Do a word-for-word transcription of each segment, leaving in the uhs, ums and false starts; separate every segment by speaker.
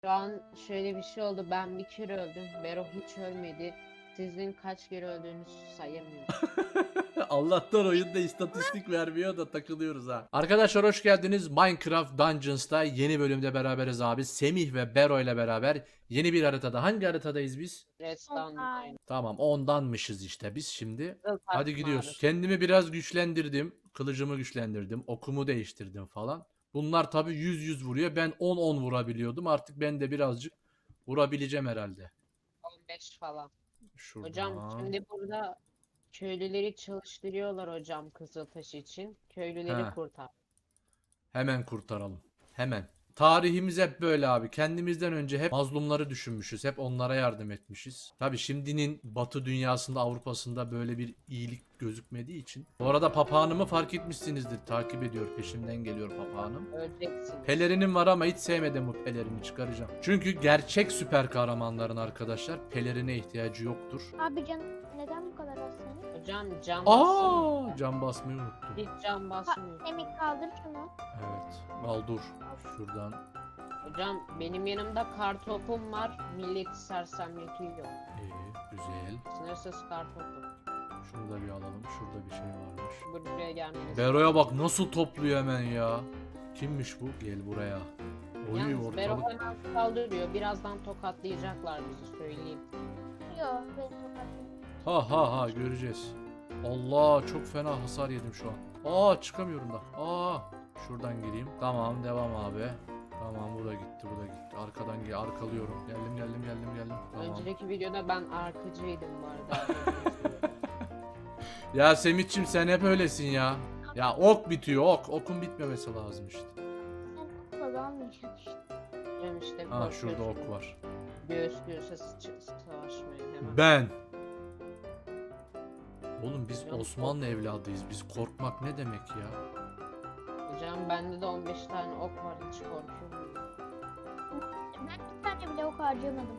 Speaker 1: Şu an şöyle bir şey oldu. Ben bir kere öldüm. Bero hiç ölmedi. Sizin kaç kere öldüğünüzü sayamıyorum.
Speaker 2: Allah'tan oyunda istatistik vermiyor da takılıyoruz ha. Arkadaşlar hoş geldiniz. Minecraft Dungeons'ta yeni bölümde beraberiz abi. Semih ve Bero ile beraber yeni bir haritada. Hangi haritadayız biz?
Speaker 1: Redstone aynı.
Speaker 2: Tamam ondanmışız işte biz şimdi.
Speaker 1: Kızıl
Speaker 2: Hadi
Speaker 1: taş
Speaker 2: gidiyoruz.
Speaker 1: mağarası.
Speaker 2: Kendimi biraz güçlendirdim. Kılıcımı güçlendirdim. Okumu değiştirdim falan. Bunlar tabi yüz yüz vuruyor. Ben on on vurabiliyordum. Artık ben de birazcık vurabileceğim herhalde.
Speaker 1: on beş falan. Hocam
Speaker 2: Şuradan.
Speaker 1: şimdi burada köylüleri çalıştırıyorlar hocam Kızıltaş için. Köylüleri
Speaker 2: He.
Speaker 1: kurtar.
Speaker 2: Hemen kurtaralım. Hemen. Tarihimiz hep böyle abi. Kendimizden önce hep mazlumları düşünmüşüz. Hep onlara yardım etmişiz. Tabi şimdinin Batı dünyasında, Avrupa'sında böyle bir iyilik gözükmediği için. Bu arada papağanımı fark etmişsinizdir. Takip ediyor, peşimden geliyor papağanım.
Speaker 1: Öleceksiniz.
Speaker 2: Pelerinim var ama hiç sevmedim bu pelerini, çıkaracağım. Çünkü gerçek süper kahramanların arkadaşlar pelerine ihtiyacı yoktur.
Speaker 3: Abi can neden bu kadar az senin?
Speaker 1: Hocam cam bassın.
Speaker 2: Aa, cam basmayı unuttum.
Speaker 1: Hiç cam basmıyor.
Speaker 3: Semih kaldır şunu.
Speaker 2: Evet. Al dur. Şuradan.
Speaker 1: Hocam benim yanımda kartopum var. Milleti sersemletiyor.
Speaker 2: İyi, güzel.
Speaker 1: Sınırsız kartopum.
Speaker 2: Şunu da bir alalım. Şurada bir şey varmış.
Speaker 1: Buraya gelmeniz.
Speaker 2: Bero'ya bak nasıl topluyor hemen ya. Kimmiş bu? Gel buraya. Oy
Speaker 1: Yalnız Bero
Speaker 2: ortalık.
Speaker 1: hemen saldırıyor. Birazdan tokatlayacaklar bizi söyleyeyim.
Speaker 3: Yok ben tokatlayayım.
Speaker 2: Ha ha ha göreceğiz. Allah çok fena hasar yedim şu an. Aa çıkamıyorum da. Aa şuradan gireyim. Tamam devam abi. Tamam bu da gitti bu da gitti. Arkadan gel arkalıyorum. Geldim geldim geldim geldim. Tamam.
Speaker 1: Önceki videoda ben arkacıydım bu arada.
Speaker 2: Ya Semitçim sen hep öylesin ya. Ya ok bitiyor ok. Okun bitmemesi lazım işte.
Speaker 3: Sen okula almayacaksın işte.
Speaker 1: Hocam işte
Speaker 2: Ha şurada
Speaker 1: korkuyorsun.
Speaker 2: ok var.
Speaker 1: Göğüs göğüse sıç- savaşmaya hemen.
Speaker 2: Ben. Oğlum biz
Speaker 1: Hocam,
Speaker 2: Osmanlı evladıyız. Biz korkmak ne demek ya?
Speaker 1: Hocam bende de on beş tane ok var. Hiç korkuyor muyum?
Speaker 3: Ben bir tane bile ok harcamadım.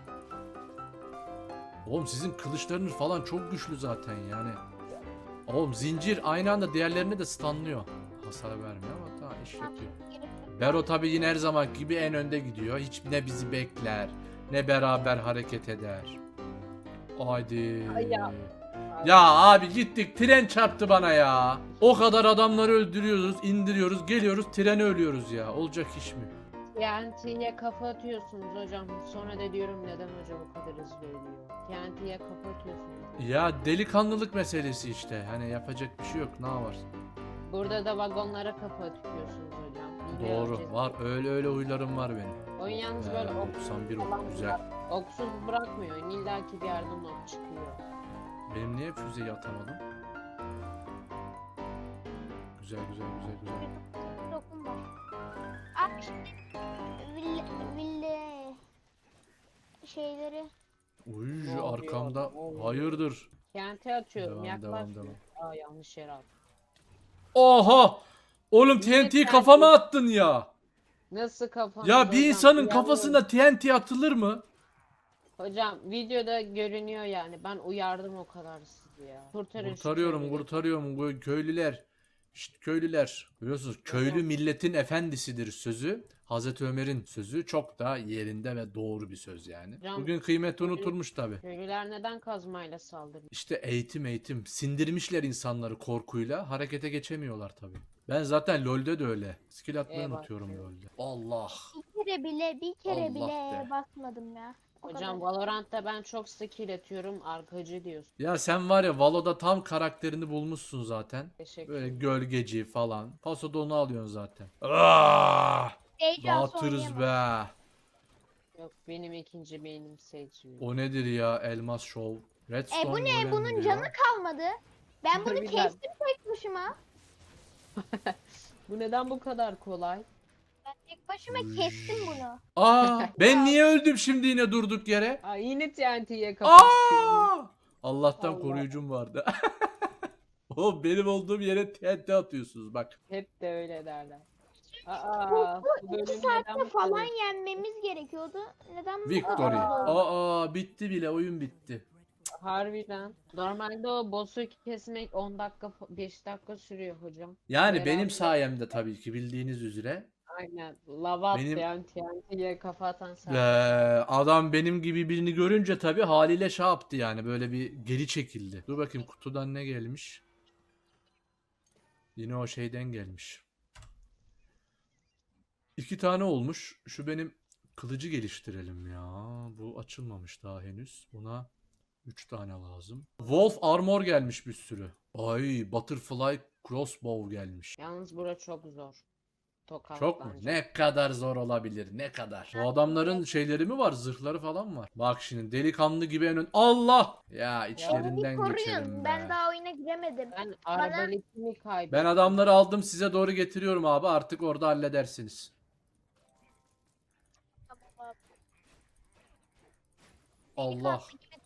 Speaker 2: Oğlum sizin kılıçlarınız falan çok güçlü zaten yani. Oğlum zincir aynı anda diğerlerine de stunlıyor. Hasar vermiyor ama tamam iş yapıyor. Bero tabi yine her zaman gibi en önde gidiyor. Hiç ne bizi bekler ne beraber hareket eder. Haydi.
Speaker 1: Ay ya.
Speaker 2: Ya abi gittik tren çarptı bana ya. O kadar adamları öldürüyoruz, indiriyoruz, geliyoruz trene ölüyoruz ya. Olacak iş mi?
Speaker 1: T N T'ye kafa atıyorsunuz hocam. Sonra da diyorum neden hocam o kadar hızlı ölüyor. T N T'ye kafa atıyorsunuz.
Speaker 2: Ya delikanlılık meselesi işte. Hani yapacak bir şey yok. Ne var?
Speaker 1: Burada da vagonlara kafa atıyorsunuz hocam. Hile
Speaker 2: Doğru.
Speaker 1: yapacağız.
Speaker 2: Var. Öyle öyle huylarım var benim.
Speaker 1: Oyun yalnız
Speaker 2: Ee,
Speaker 1: böyle ok,
Speaker 2: doksan bir ok.
Speaker 1: falan
Speaker 2: Güzel.
Speaker 1: bırak- oksuz bırakmıyor. İlla ki bir yerden ok çıkıyor.
Speaker 2: Benim niye füzeyi atamadım? Güzel güzel güzel güzel.
Speaker 3: Dokum var. Abi şimdi ville, ville şeyleri
Speaker 2: Uy
Speaker 1: Ne oluyor?
Speaker 2: arkamda.
Speaker 1: Ne oluyor?
Speaker 2: Hayırdır?
Speaker 1: T N T atıyorum.
Speaker 2: Devam,
Speaker 1: Yaklaşmıyor.
Speaker 2: devam,
Speaker 1: Aa yanlış yere attım.
Speaker 2: Oha! Oğlum
Speaker 1: Niye
Speaker 2: T N T'yi
Speaker 1: T N T
Speaker 2: kafama attın ya.
Speaker 1: Nasıl kafanız
Speaker 2: Ya bir
Speaker 1: hocam?
Speaker 2: insanın
Speaker 1: Uyarıyorum.
Speaker 2: kafasına T N T atılır mı?
Speaker 1: Hocam videoda görünüyor yani. Ben uyardım o kadar sizi ya. Kurtarın şu
Speaker 2: Kurtarıyorum,
Speaker 1: köylüleri.
Speaker 2: kurtarıyorum bu köylüler. Şşt köylüler. Biliyorsunuz köylü
Speaker 1: Hocam.
Speaker 2: milletin efendisidir sözü. Hazreti Ömer'in sözü çok da yerinde ve doğru bir söz yani.
Speaker 1: Hocam,
Speaker 2: Bugün kıymeti
Speaker 1: köylü-
Speaker 2: unutulmuş tabi.
Speaker 1: Köylüler neden kazmayla saldırıyor?
Speaker 2: İşte eğitim eğitim. Sindirmişler insanları korkuyla. Harekete geçemiyorlar tabi. Ben zaten LoL'de de öyle. Skill atmayı
Speaker 1: Eyvah.
Speaker 2: unutuyorum LoL'de. Allah.
Speaker 3: bir kere bile bir kere
Speaker 2: Allah
Speaker 3: bile
Speaker 2: be.
Speaker 3: basmadım ya. O
Speaker 1: Hocam
Speaker 3: kadar.
Speaker 1: Valorant'ta ben çok skill atıyorum. Arkacı diyorsun.
Speaker 2: Ya sen var ya Valo'da tam karakterini bulmuşsun zaten.
Speaker 1: Teşekkür
Speaker 2: Böyle
Speaker 1: ederim.
Speaker 2: gölgeci falan. Pasoda onu alıyorsun zaten. Ah!
Speaker 3: Heyecansı
Speaker 2: Dağıtırız
Speaker 3: oynayamam.
Speaker 2: be.
Speaker 1: Yok benim ikinci beynim seçmiyor.
Speaker 2: O nedir ya Elmas Show? Redstone
Speaker 3: E bu ne?
Speaker 2: golem
Speaker 3: Bunun
Speaker 2: diyor.
Speaker 3: canı kalmadı. Ben bunu
Speaker 1: Harbiden.
Speaker 3: kestim tek başıma.
Speaker 1: Bu neden bu kadar kolay?
Speaker 3: Ben tek başıma kestim bunu.
Speaker 2: Aa, ben niye öldüm şimdi yine durduk yere?
Speaker 1: Aa yine T N T'ye kapatıyorum.
Speaker 2: Aa! Allah'tan
Speaker 1: Allah.
Speaker 2: koruyucum vardı. O benim olduğum yere T N T atıyorsunuz bak.
Speaker 1: Hep de öyle derler.
Speaker 3: Bu,
Speaker 1: Aa,
Speaker 3: bu
Speaker 1: bölüm
Speaker 3: iki
Speaker 1: neden
Speaker 3: saatte
Speaker 1: bu
Speaker 3: falan
Speaker 1: kadar?
Speaker 3: yenmemiz gerekiyordu. Neden bu
Speaker 2: Victory.
Speaker 3: kadar oldu?
Speaker 2: Aa bitti bile oyun bitti.
Speaker 1: Harbiden. Normalde o boss'u kesmek on dakika beş dakika sürüyor hocam.
Speaker 2: Yani
Speaker 1: Beraber-
Speaker 2: benim sayemde tabii ki bildiğiniz üzere.
Speaker 1: Aynen. Lava
Speaker 2: Benim-
Speaker 1: atlayan T N T'ye kafa atan sen.
Speaker 2: Ee, adam benim gibi birini görünce tabii haliyle şey yaptı yani böyle bir geri çekildi. Dur bakayım kutudan ne gelmiş. Yine o şeyden gelmiş. İki tane olmuş. Şu benim kılıcı geliştirelim ya. Bu açılmamış daha henüz. Buna üç tane lazım. Wolf armor gelmiş bir sürü. Ay butterfly crossbow gelmiş.
Speaker 1: Yalnız bura çok zor. Tokat
Speaker 2: Çok mu?
Speaker 1: bence.
Speaker 2: Ne kadar zor olabilir? Ne kadar? Bu adamların şeyleri mi var? Zırhları falan var. Bak şimdi delikanlı gibi en ön... Allah! Ya
Speaker 3: Beni bir
Speaker 2: içlerinden geçelim
Speaker 3: koruyun.
Speaker 2: be.
Speaker 3: Ben daha oyuna giremedim.
Speaker 1: Ben arbaletimi kaybettim.
Speaker 2: Ben adamları aldım size doğru getiriyorum abi. Artık orada halledersiniz.
Speaker 3: Tamam abi.
Speaker 2: Allah.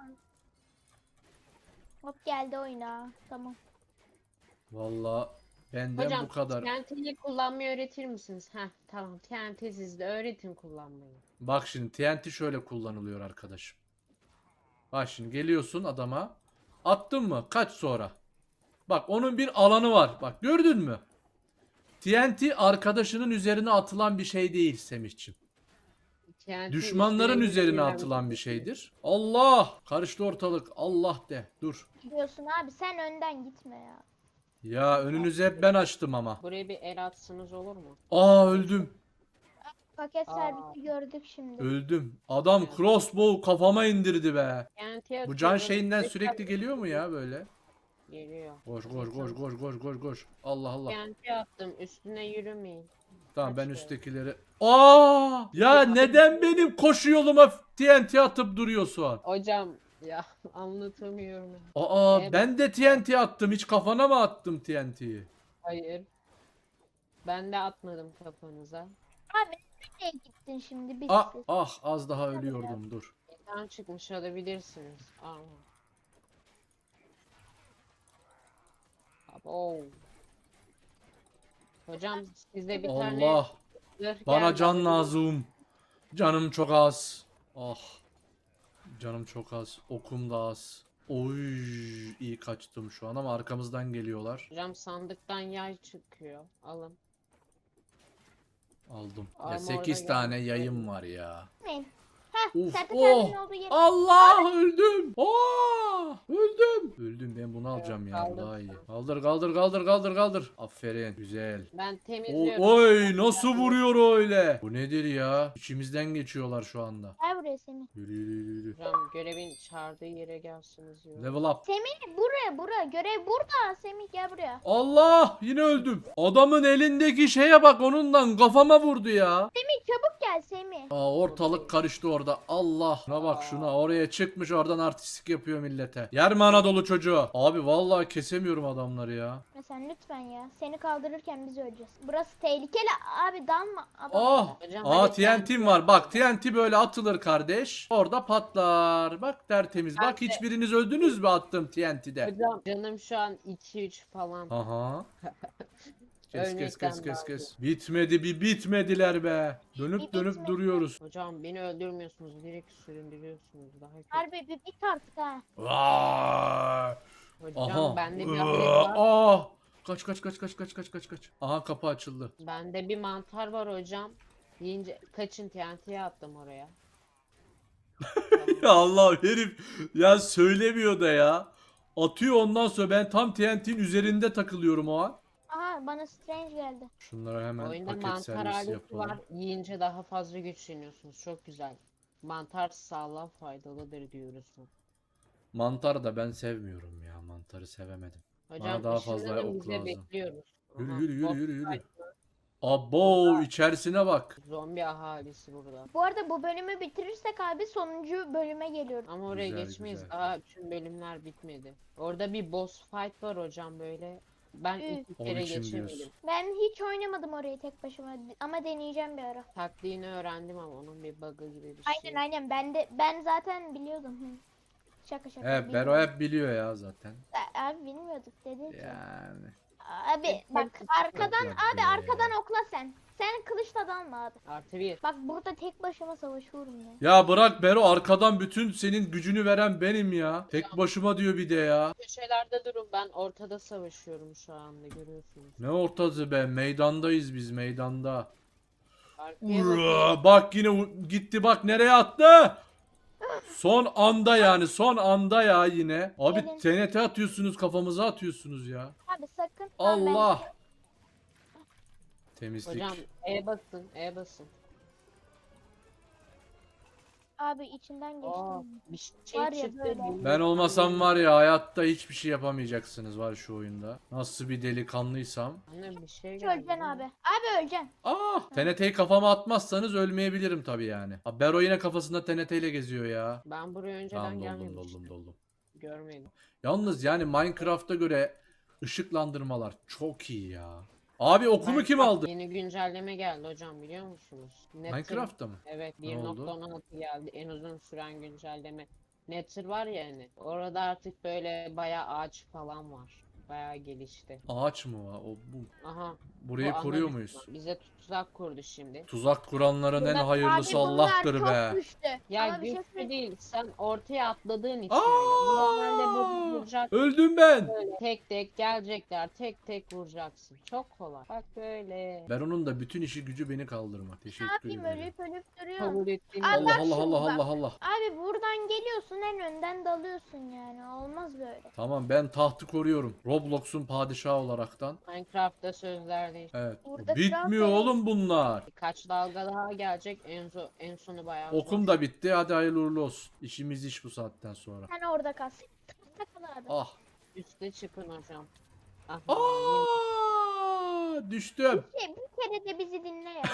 Speaker 3: Hop geldi oyuna. Tamam.
Speaker 2: Vallahi benden
Speaker 1: Hocam
Speaker 2: bu kadar.
Speaker 1: T N T'yi kullanmayı öğretir misiniz? Heh tamam T N T sizde öğretin kullanmayı.
Speaker 2: Bak şimdi T N T şöyle kullanılıyor arkadaşım. Bak şimdi geliyorsun adama. Attın mı? Kaç sonra? Bak onun bir alanı var. Bak gördün mü? T N T arkadaşının üzerine atılan bir şey değil Semihciğim.
Speaker 1: T N T
Speaker 2: Düşmanların
Speaker 1: üstüne
Speaker 2: üzerine
Speaker 1: gelen
Speaker 2: atılan bir
Speaker 1: şey.
Speaker 2: şeydir. Allah! Karıştı ortalık. Allah de. Dur.
Speaker 3: Gidiyorsun abi sen önden gitme ya.
Speaker 2: Ya önünüzü hep ben açtım ama.
Speaker 1: Buraya bir el atsanız olur mu?
Speaker 2: Aa öldüm.
Speaker 3: Paket
Speaker 1: Aa.
Speaker 3: servisi gördük şimdi.
Speaker 2: Öldüm. Adam crossbow kafama indirdi be.
Speaker 1: T N T
Speaker 2: Bu can
Speaker 1: atıyorum,
Speaker 2: şeyinden
Speaker 1: tekrar
Speaker 2: sürekli geliyor mu ya böyle?
Speaker 1: Geliyor.
Speaker 2: Koş koş koş koş koş koş koş. Allah Allah.
Speaker 1: T N T attım üstüne yürümeyin.
Speaker 2: Tamam ben
Speaker 1: kaç
Speaker 2: üsttekileri. Aa! Ya neden benim koşu yoluma T N T atıp duruyorsun?
Speaker 1: Hocam ya anlatamıyorum.
Speaker 2: Aa
Speaker 1: Evet.
Speaker 2: ben de T N T attım. Hiç kafana mı attım T N T'yi?
Speaker 1: Hayır. Ben de atmadım kafanıza.
Speaker 3: Abi nereye gittin şimdi? Bir
Speaker 2: Ah
Speaker 3: ses.
Speaker 2: ah az daha ölüyordum dur.
Speaker 1: Ekran çıkmış alabilirsiniz. Aa. Abo. Hocam sizde bir tane
Speaker 2: Allah
Speaker 1: zırh
Speaker 2: bana
Speaker 1: geldi,
Speaker 2: can
Speaker 1: alabilir-
Speaker 2: lazım. Canım çok az. Ah. Canım çok az. Okum da az. Oy iyi kaçtım şu an ama arkamızdan geliyorlar.
Speaker 1: Hocam sandıktan yay çıkıyor. Alın.
Speaker 2: Aldım. Ya
Speaker 1: Armor'da
Speaker 2: sekiz
Speaker 1: geldi.
Speaker 2: tane yayım var ya.
Speaker 3: Gitmeyin. Heh
Speaker 2: Of,
Speaker 3: sertifikanın
Speaker 2: oh.
Speaker 3: olduğu yer.
Speaker 2: Allah öldüm. Aa öldüm. Öldüm ben bunu alacağım ya bu
Speaker 1: kaldır
Speaker 2: daha iyi.
Speaker 1: sen.
Speaker 2: Kaldır kaldır kaldır kaldır kaldır. Aferin güzel.
Speaker 1: Ben
Speaker 2: O,
Speaker 1: temizliyorum.
Speaker 2: oy nasıl vuruyor öyle? Bu nedir ya? İçimizden geçiyorlar şu anda.
Speaker 3: Gel buraya Semih.
Speaker 2: Yürü yürü yürü.
Speaker 1: Hocam görevin çağırdığı yere gelsiniz diyor.
Speaker 2: Level up.
Speaker 3: Semih buraya buraya. Görev burada. Semih gel buraya.
Speaker 2: Allah yine öldüm. Adamın elindeki şeye bak onundan kafama vurdu ya.
Speaker 3: Semih çabuk gel Semih.
Speaker 2: Aa, ortalık karıştı orada. Allah. Şuna bak şuna. Oraya çıkmış oradan artistik yapıyor millete. Yer mi Anadolu çocuğu? Abi vallahi kesemiyorum adamları ya.
Speaker 3: Mesela lütfen ya. Seni kaldırırken biz öleceğiz. Burası tehlikeli abi dalma. Adam.
Speaker 2: Ah.
Speaker 1: Hocam,
Speaker 2: Aa
Speaker 1: hadi
Speaker 2: T N T'm var. Bak T N T böyle atılır kardeş. Orada patlar. Bak tertemiz. Bak
Speaker 1: Ben de-
Speaker 2: hiçbiriniz öldünüz mü attığım T N T'de?
Speaker 1: Hocam canım şu an iki üç falan.
Speaker 2: Aha. Kes kes
Speaker 1: Örnekten
Speaker 2: kes kes
Speaker 1: daha
Speaker 2: kes. Bitmedi bir bitmediler be. Dönüp
Speaker 3: Bir
Speaker 2: dönüp
Speaker 3: bitmedi.
Speaker 2: duruyoruz.
Speaker 1: Hocam beni öldürmüyorsunuz, direkt süründürüyorsunuz. Daha kötü.
Speaker 3: Harbi bir bit artık ha.
Speaker 2: Vay.
Speaker 1: Hocam
Speaker 2: Aha.
Speaker 1: bende bir
Speaker 2: Iıı,
Speaker 1: alet var.
Speaker 2: ah. Kaç kaç kaç kaç kaç kaç kaç kaç. Aha kapı açıldı.
Speaker 1: Bende bir mantar var hocam. Deyince kaçın T N T'ye attım oraya.
Speaker 2: Ya Allah herif ya söylemiyor da ya. Atıyor ondan sonra ben tam T N T'nin üzerinde takılıyorum o an.
Speaker 3: Aha bana strange geldi.
Speaker 2: Şunlara hemen
Speaker 1: Oyunda
Speaker 2: paket
Speaker 1: mantar
Speaker 2: servisi
Speaker 1: aleti
Speaker 2: yapalım.
Speaker 1: var. Yiyince daha fazla güçleniyorsunuz. Çok güzel. Mantar sağlığa faydalıdır diyoruz.
Speaker 2: Mantar da ben sevmiyorum ya. Mantarı sevemedim.
Speaker 1: Hocam
Speaker 2: daha fazla
Speaker 1: ışınlanın,
Speaker 2: ok
Speaker 1: biz de
Speaker 2: lazım.
Speaker 1: bekliyoruz.
Speaker 2: Yürü
Speaker 1: Aha,
Speaker 2: yürü yürü
Speaker 1: boss
Speaker 2: yürü yürü.
Speaker 1: fight,
Speaker 2: Abo içerisine bak.
Speaker 1: Zombi ahalisi burada.
Speaker 3: Bu arada bu bölümü bitirirsek abi sonuncu bölüme geliyoruz.
Speaker 1: Ama oraya
Speaker 2: Güzel,
Speaker 1: geçmeyiz.
Speaker 2: güzel.
Speaker 1: Daha bütün bölümler bitmedi. Orada bir boss fight var hocam böyle. Ben
Speaker 3: Üh.
Speaker 1: iki
Speaker 2: Onun
Speaker 1: kere
Speaker 2: için
Speaker 1: geçemedim.
Speaker 2: diyorsun.
Speaker 3: Ben hiç oynamadım orayı tek başıma ama deneyeceğim bir ara.
Speaker 1: Taktiğini öğrendim ama onun bir bug'ı gibi bir şey.
Speaker 3: Aynen aynen ben de ben zaten biliyordum. Hı. Şaka şaka.
Speaker 2: Evet Bero
Speaker 3: bilmiyordum.
Speaker 2: hep biliyor ya zaten.
Speaker 3: A- Abi bilmiyorduk dedi ki.
Speaker 2: Yani.
Speaker 3: Abi bak arkadan
Speaker 2: Yok
Speaker 3: abi
Speaker 2: be.
Speaker 3: arkadan okla sen. Sen kılıçla dalma abi.
Speaker 1: Artı bir.
Speaker 3: Bak burada tek başıma savaşıyorum ya.
Speaker 2: Ya bırak Bero arkadan bütün senin gücünü veren benim ya. Tek başıma diyor bir de ya.
Speaker 1: Köşelerde durun, ben ortada savaşıyorum şu anda, görüyorsunuz.
Speaker 2: Ne ortası be meydandayız biz meydanda.
Speaker 1: Arkaya bakın.
Speaker 2: Ura, bak yine u- gitti, bak nereye attı? Son anda yani, son anda ya yine. Abi
Speaker 3: Gelin.
Speaker 2: T N T atıyorsunuz, kafamıza atıyorsunuz ya.
Speaker 3: Abi sakın. Tamam, ben-
Speaker 2: Allah. Temizlik.
Speaker 1: Hocam E basın. E basın.
Speaker 3: Abi içinden geçtim.
Speaker 1: Aa, bir şey
Speaker 3: Var ya
Speaker 1: çıktı.
Speaker 3: böyle.
Speaker 1: bilmiyorum.
Speaker 2: Ben olmasam var ya, hayatta hiçbir şey yapamayacaksınız var şu oyunda. Nasıl bir delikanlıysam.
Speaker 1: Anne bir şey
Speaker 3: Hiç
Speaker 1: geldi.
Speaker 3: öleceksin
Speaker 1: lan.
Speaker 3: abi. Abi öleceksin.
Speaker 2: Ah, T N T'yi kafama atmazsanız ölmeyebilirim tabii yani. Abi Bero yine kafasında T N T ile geziyor ya.
Speaker 1: Ben buraya önceden
Speaker 2: Tamam, doldum
Speaker 1: gelmemiştim.
Speaker 2: doldum doldum.
Speaker 1: Görmedim.
Speaker 2: Yalnız yani Minecraft'a göre ışıklandırmalar çok iyi ya. Abi okumu kim
Speaker 1: Minecraft
Speaker 2: aldı?
Speaker 1: Yeni güncelleme geldi hocam, biliyor musunuz? Nether-
Speaker 2: Minecraft'ta mı?
Speaker 1: Evet,
Speaker 2: Ne
Speaker 1: bir
Speaker 2: oldu?
Speaker 1: nokta on altı geldi. En uzun süren güncelleme. Nether var ya hani. Orada artık böyle bayağı ağaç falan var. Bayağı gelişti.
Speaker 2: Ağaç mı var? O bu.
Speaker 1: Aha.
Speaker 2: Burayı
Speaker 1: bu
Speaker 2: koruyor
Speaker 1: analiz
Speaker 2: muyuz?
Speaker 1: var. Bize tuzak kurdu şimdi.
Speaker 2: Tuzak kuranların en
Speaker 3: Burada-
Speaker 2: hayırlısı
Speaker 3: abi bunlar
Speaker 2: Allah'tır
Speaker 3: çok
Speaker 2: be.
Speaker 3: güçlü.
Speaker 1: Ya
Speaker 3: Ama bir şey
Speaker 1: güçlü
Speaker 3: söyleyeyim.
Speaker 1: değil. Sen ortaya atladığın için öyle. Bu normalde bu
Speaker 2: Aa!
Speaker 1: vuracak
Speaker 2: Öldüm ben.
Speaker 1: böyle. Tek tek gelecekler. Tek tek vuracaksın. Çok kolay. Bak böyle.
Speaker 2: Ben onun da bütün işi gücü beni kaldırmak.
Speaker 3: Ne
Speaker 2: Teşekkür
Speaker 3: yapayım,
Speaker 2: ederim.
Speaker 3: ölüp ölüp duruyorum.
Speaker 1: Kabul ettiğim
Speaker 3: Abi
Speaker 2: Allah
Speaker 3: bak
Speaker 2: Allah
Speaker 3: şimdi
Speaker 2: Allah
Speaker 3: bak.
Speaker 2: Allah Allah.
Speaker 3: Abi buradan geliyorsun, en önden dalıyorsun yani. Olmaz böyle.
Speaker 2: Tamam, ben tahtı koruyorum. Roblox'un padişahı olaraktan.
Speaker 1: Minecraft'ta sözler değil.
Speaker 2: Evet.
Speaker 3: Burada
Speaker 2: Bitmiyor
Speaker 3: kral
Speaker 2: oğlum bunlar.
Speaker 1: Birkaç dalga daha gelecek. En, zo- en sonu bayağı
Speaker 2: Okum
Speaker 1: zor.
Speaker 2: da bitti. Hadi hayırlı uğurlu olsun. İşimiz iş bu saatten sonra.
Speaker 3: Sen orada kal. Sen orada kal abi.
Speaker 2: Ah.
Speaker 1: Üste çıkın hocam. Aha, yine-
Speaker 2: Aa! Düştüm.
Speaker 3: Şey, bir kere de bizi dinle ya.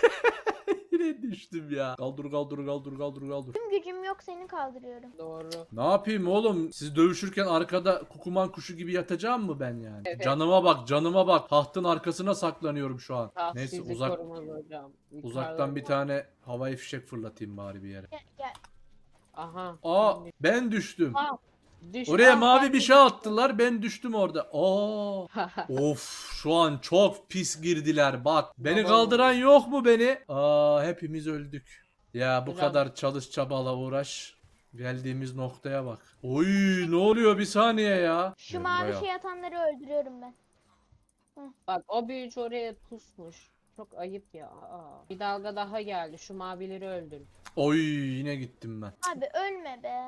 Speaker 2: Yine düştüm ya. Kaldır kaldır kaldır kaldır kaldır.
Speaker 3: Tüm gücüm yok, seni kaldırıyorum.
Speaker 1: doğru.
Speaker 2: Ne yapayım oğlum? Siz dövüşürken arkada kukuman kuşu gibi yatacağım mı ben yani?
Speaker 1: Evet.
Speaker 2: Canıma bak, canıma bak. Tahtın arkasına saklanıyorum şu an.
Speaker 1: Taht
Speaker 2: Neyse,
Speaker 1: sizi
Speaker 2: uzak
Speaker 1: korumaz hocam. Yukarıda-
Speaker 2: uzaktan bir tane havai fişek fırlatayım bari bir yere.
Speaker 3: Gel gel.
Speaker 1: Aha.
Speaker 2: Aa, ben düştüm.
Speaker 1: Aa, düş-
Speaker 2: Oraya
Speaker 1: Aa,
Speaker 2: mavi
Speaker 1: ben
Speaker 2: bir
Speaker 1: de
Speaker 2: şey attılar, ben düştüm orada. Aa. Of, şu an çok pis girdiler bak. Beni
Speaker 1: Baba.
Speaker 2: kaldıran yok mu beni? Aa, hepimiz öldük. Ya bu
Speaker 1: Hocam.
Speaker 2: kadar çalış çabala uğraş. Geldiğimiz noktaya bak. Oy, ne oluyor bir saniye ya.
Speaker 3: Şu
Speaker 2: Gel
Speaker 3: mavi
Speaker 2: buraya.
Speaker 3: şey atanları öldürüyorum ben.
Speaker 1: Bak o büyücü oraya pusmuş. Çok ayıp ya. Aa. Bir dalga daha geldi. Şu mavileri öldür.
Speaker 2: Oy, yine gittim ben.
Speaker 3: Abi ölme be.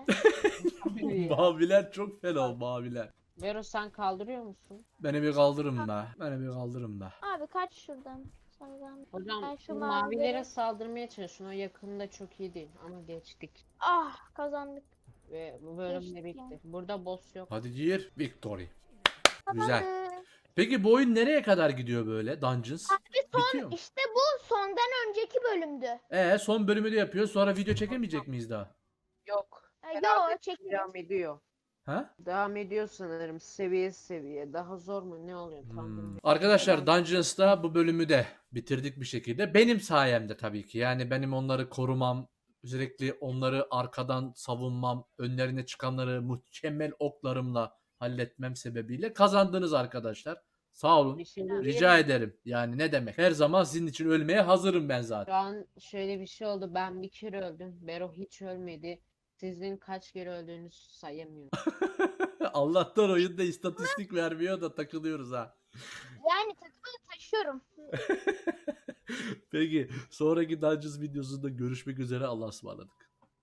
Speaker 2: Maviler çok fena, maviler.
Speaker 1: Vero sen kaldırıyor musun?
Speaker 2: Beni bir kaldırın be. Beni bir kaldırın be.
Speaker 3: Abi kaç şuradan. Sana zahmet.
Speaker 1: Hocam
Speaker 3: Ben şu
Speaker 1: şu
Speaker 3: mavileri-
Speaker 1: mavilere saldırmaya çalışın. O yakında çok iyi değil ama geçtik.
Speaker 3: Ah, kazandık.
Speaker 1: Ve bu bölüm de
Speaker 3: Geçtik
Speaker 1: bitti. Burada boss yok.
Speaker 2: Hadi gir. Victory. Güzel.
Speaker 3: Kazandık.
Speaker 2: Peki bu oyun nereye kadar gidiyor böyle? Dungeons? Bitiyor mu?
Speaker 3: İşte bu sondan önceki bölümdü.
Speaker 2: Ee, son bölümü de yapıyor. Sonra video çekemeyecek miyiz daha?
Speaker 1: Yok.
Speaker 3: Ha,
Speaker 1: Herhalde
Speaker 3: Yo çekin.
Speaker 1: Devam ediyor.
Speaker 2: Ha?
Speaker 1: Devam ediyor sanırım seviye seviye. Daha zor mu ne oluyor tam
Speaker 2: Hmm.
Speaker 1: bilmiyorum.
Speaker 2: Arkadaşlar, Dungeons'ta bu bölümü de bitirdik bir şekilde. Benim sayemde tabii ki. Yani benim onları korumam, sürekli onları arkadan savunmam, önlerine çıkanları mükemmel oklarımla halletmem sebebiyle kazandınız arkadaşlar. Sağ olun.
Speaker 1: Bir şey
Speaker 2: Rica ederim. Yani ne demek? Her zaman sizin için ölmeye hazırım ben
Speaker 1: Şu
Speaker 2: zaten.
Speaker 1: an şöyle bir şey oldu. Ben bir kere öldüm. Bero hiç ölmedi. Sizin kaç kere öldüğünüzü sayamıyorum.
Speaker 2: Allah'tan oyunda istatistik vermiyor da takılıyoruz ha.
Speaker 3: Yani takımı taşıyorum.
Speaker 2: Peki, sonraki Dungeons videosunda görüşmek üzere. Allah'a ısmarladık.